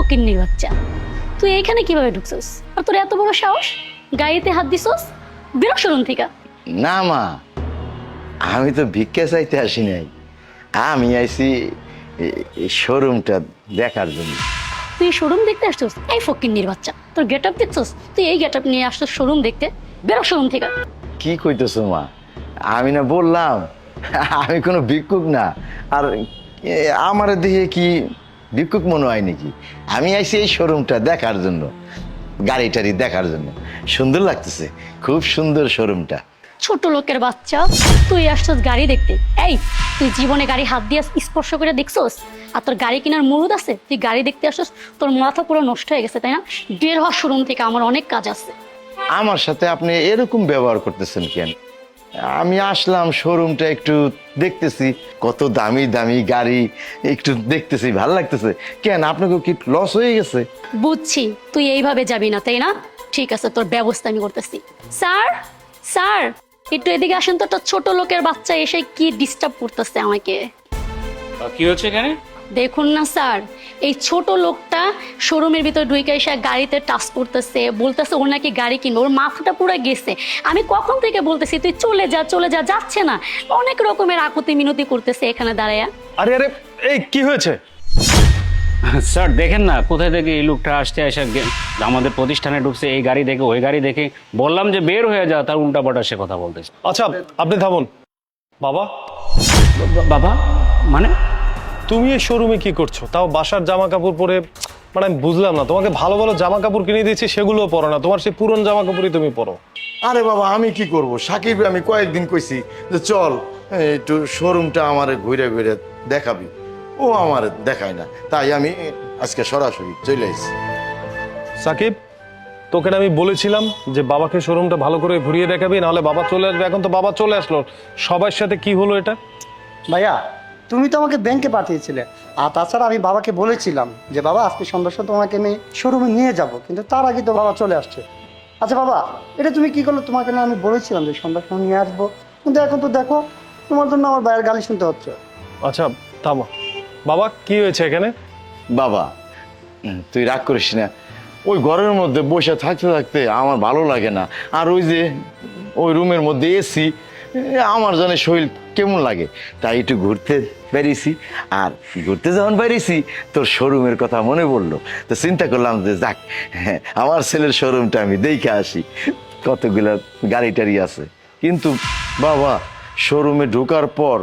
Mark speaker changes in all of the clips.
Speaker 1: ফকিন্নির বাচ্চা, তুই এইখানে কিভাবে ঢুকছস? আর তোর এত বড় সাহস, গাড়িতে হাত দিছস? বেরো শোরুম থেকে।
Speaker 2: না মা, আমি তো ভিক্ষা চাইতে আসি নাই, আমি আইছি এই শোরুমটা দেখার জন্য।
Speaker 1: তুই শোরুম দেখতে আসছস? এই ফকিন্নির বাচ্চা, তোর গেট আপ দেখছস? তুই এই গেট আপ নিয়ে আসছস শোরুম দেখতে? বেরো শোরুম থেকে।
Speaker 2: কি কইতেছো মা? আমি না বললাম আমি কোনো ভিক্ষুক না। আর আমার দিকে কি ভিক্ষুক মনে হয় নাকি? আমি আইছি এই শোরুমটা দেখার জন্য, গাড়ি টাড়ি দেখার জন্য। সুন্দর লাগতেছে, খুব সুন্দর শোরুমটা।
Speaker 1: ছোট লোকের বাচ্চা, তুই আসছস গাড়ি দেখতে? এই, তুই জীবনে গাড়ি হাত দিয়ে স্পর্শ করে দেখছস? আর তোর গাড়ি কেনার মুরুদ আছে? তুই গাড়ি দেখতে আসছস? তোর মাথা পুরো নষ্ট হয়ে গেছে, তাই না? বের হওয়া শোরুম থেকে, আমার অনেক কাজ আছে।
Speaker 2: আমার সাথে আপনি এরকম ব্যবহার করতেছেন কেন? আমি আসলাম শোরুমটা একটু দেখতেছি, কত দামি দামি গাড়ি একটু দেখতেছি, ভালো লাগতেছে। কেন, আপনাকে কি লস হয়ে গেছে?
Speaker 1: বুঝছি, তুই এইভাবে যাবি না, তাই না? ঠিক আছে, তোর ব্যবস্থা আমি করতেছি। স্যার, স্যার, একটু এদিকে আসেন তো। একটা ছোট লোকের বাচ্চা এসে কি ডিস্টার্ব করতেছে আমাকে।
Speaker 3: কি হচ্ছে এখানে?
Speaker 1: দেখুন না স্যার, এই ছোট লোকটা শোরুমের ভিতর ঢুকে এসে গাড়িতে টাচ করতেছে, বলতেছে ওর নাকি গাড়ি কিনবে। ওর মাথাটা পুরো গেছে। আমি কখন থেকে বলতেছি তুই চলে যা চলে যা, যাচ্ছে না। অনেক রকমের আকুতি মিনতি করতেছে এখানে দাঁড়ায়া।
Speaker 4: আরে আরে, এই কি হয়েছে?
Speaker 3: স্যার দেখেন না, কোথায় থেকে এই লোকটা আসতে এসে আমাদের প্রতিষ্ঠানে ঢুকছে, এই গাড়ি দেখে ওই গাড়ি দেখে। বললাম যে বের হয়ে যা, তার উল্টাপাল্টা সে কথা বলতেছে।
Speaker 4: আচ্ছা, আপনি থামুন। বাবা,
Speaker 3: বাবা মানে?
Speaker 4: তুমি এই শোরুমে কি করছো? তাও বাসার জামা কাপড় পরে। মানে আমি বুঝলাম না, তোমাকে ভালো ভালো জামা কাপড় কিনে দিয়েছি, সেগুলোও পরো না, তোমার সেই পুরনো জামা কাপড়ই তুমি পরো।
Speaker 2: আরে বাবা, আমি কি করব? সাকিব আমি কয়েকদিন কইছি যে চল একটু শোরুমটা আমার ঘুরে ঘুরে দেখাবি, ও আমার দেখায় না, তাই আমি আজকে সরাসরি চলে আসছি।
Speaker 4: সাকিব, তোকে না আমি বলেছিলাম যে বাবাকে শোরুমটা ভালো করে ঘুরিয়ে দেখাবি, নাহলে বাবা চলে আসবে। এখন তো বাবা চলে আসলো, সবার সাথে কি হলো এটা?
Speaker 5: ভাইয়া, তুমি তো আমাকে ব্যাংকে পাঠিয়েছিলে। আর তাছাড়া আমি বাবাকে বলেছিলাম যে বাবা আজকে সন্ধ্যার সময় তোমাকে আমি শোরুমে নিয়ে যাব, কিন্তু তার আগে তো বাবা চলে আসছে। আচ্ছা বাবা, এটা তুমি কি করলো? তোমাকে না আমি বলেছিলাম যে সন্ধ্যার সময় নিয়ে আসবো, কিন্তু এখন তো দেখো তোমার জন্য আমার ভাইয়ের গালি শুনতে হচ্ছে।
Speaker 4: আচ্ছা থামো। বাবা, কি হয়েছে এখানে?
Speaker 2: বাবা, তুই রাগ করিস না। ওই ঘরের মধ্যে বসে থাকতে থাকতে আমার ভালো লাগে না। আর ওই যে ওই রুমের মধ্যে এসি, আমার জানে শরীর কেমন লাগে, তাই একটু ঘুরতে বেরিয়েছি। আর ঘুরতে যখন বেরিয়েছি, তোর শোরুমের কথা মনে পড়লো, তো চিন্তা করলাম যে যাক, আমার ছেলের শোরুমটা আমি দেখে আসি, কতগুলা গাড়ি টাড়ি আছে। কিন্তু বাবা, শোরুমে ঢোকার পর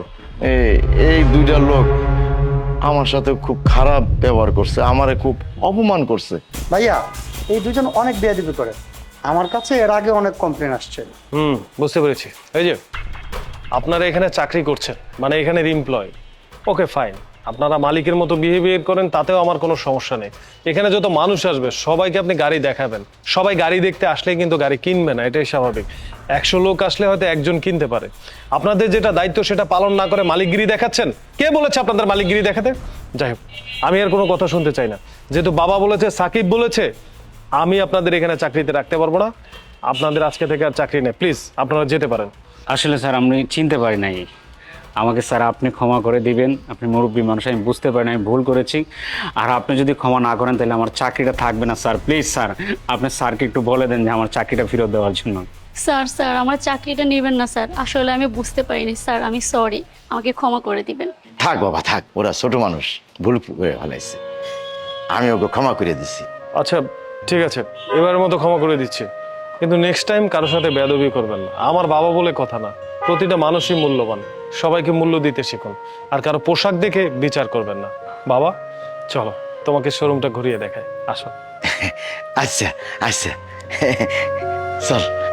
Speaker 2: এই দুইটা লোক আমার সাথে খুব খারাপ ব্যবহার করছে, আমারে খুব অপমান করছে।
Speaker 5: ভাইয়া, এই দুজন অনেক বেয়াদবি করে। আমার কাছে এর আগে অনেক কমপ্লেন আসছে।
Speaker 4: বুঝতে পেরেছি। এই যে আপনারা এখানে চাকরি করছেন, মানে এখানের এমপ্লয়, ওকে ফাইন, আপনারা মালিকের মতো বিহেভিয়ার করেন, তাতেও আমার কোনো সমস্যা নেই। এখানে যত মানুষ আসবে সবাইকে আপনি গাড়ি দেখাবেন। সবাই গাড়ি দেখতে আসলে কিন্তু গাড়ি কিনবে না, এটাই স্বাভাবিক। 100 লোক আসলে হয়তো একজন কিনতে পারে। আপনাদের যেটা দায়িত্ব সেটা পালন না করে মালিকগিরি দেখাচ্ছেন। কে বলেছে আপনাদের মালিকগিরি দেখাতে? যাই হোক, আমি আর কোনো কথা শুনতে চাই না। যেহেতু বাবা বলেছে, সাকিব বলেছে, আমি আপনাদের এখানে চাকরিতে রাখতে পারবো না। আপনাদের আজকে থেকে আর চাকরি নেই, প্লিজ আপনারা যেতে পারেন।
Speaker 3: আসলে স্যার আমি চিনতে পারি নাই, আমাকে স্যার আপনি ক্ষমা করে দিবেন। আপনি মুরব্বী মানুষ, আমি বুঝতে পারি না, আমি ভুল করেছি। আর আপনি যদি ক্ষমা না করেন তাহলে আমার চাকরিটা থাকবে না স্যার। প্লিজ স্যার, আপনি স্যারকে একটু বলে দেন যে আমার চাকরিটা ফেরত দেওয়ার জন্য।
Speaker 1: স্যার, স্যার, আমার চাকরিটা নেবেন না স্যার। আসলে আমি বুঝতে পারিনি স্যার, আমি সরি, আমাকে ক্ষমা করে দিবেন।
Speaker 2: থাক বাবা থাক, ওরা ছোট মানুষ, ভুল করে ফেলাইছে, আমি ওকে ক্ষমা করে দিছি।
Speaker 4: আচ্ছা ঠিক আছে, এবারের মতো ক্ষমা করে দিচ্ছি, কিন্তু নেক্সট টাইম কারোর সাথে বেয়াদবি করবেন না। আমার বাবা বলে কথা না, প্রতিটা মানুষই মূল্যবান, সবাইকে মূল্য দিতে শিখুন। আর কারো পোশাক দেখে বিচার করবেন না। বাবা চলো, তোমাকে শোরুমটা ঘুরিয়ে দেখায়, আসো।
Speaker 2: আচ্ছা আচ্ছা, চল।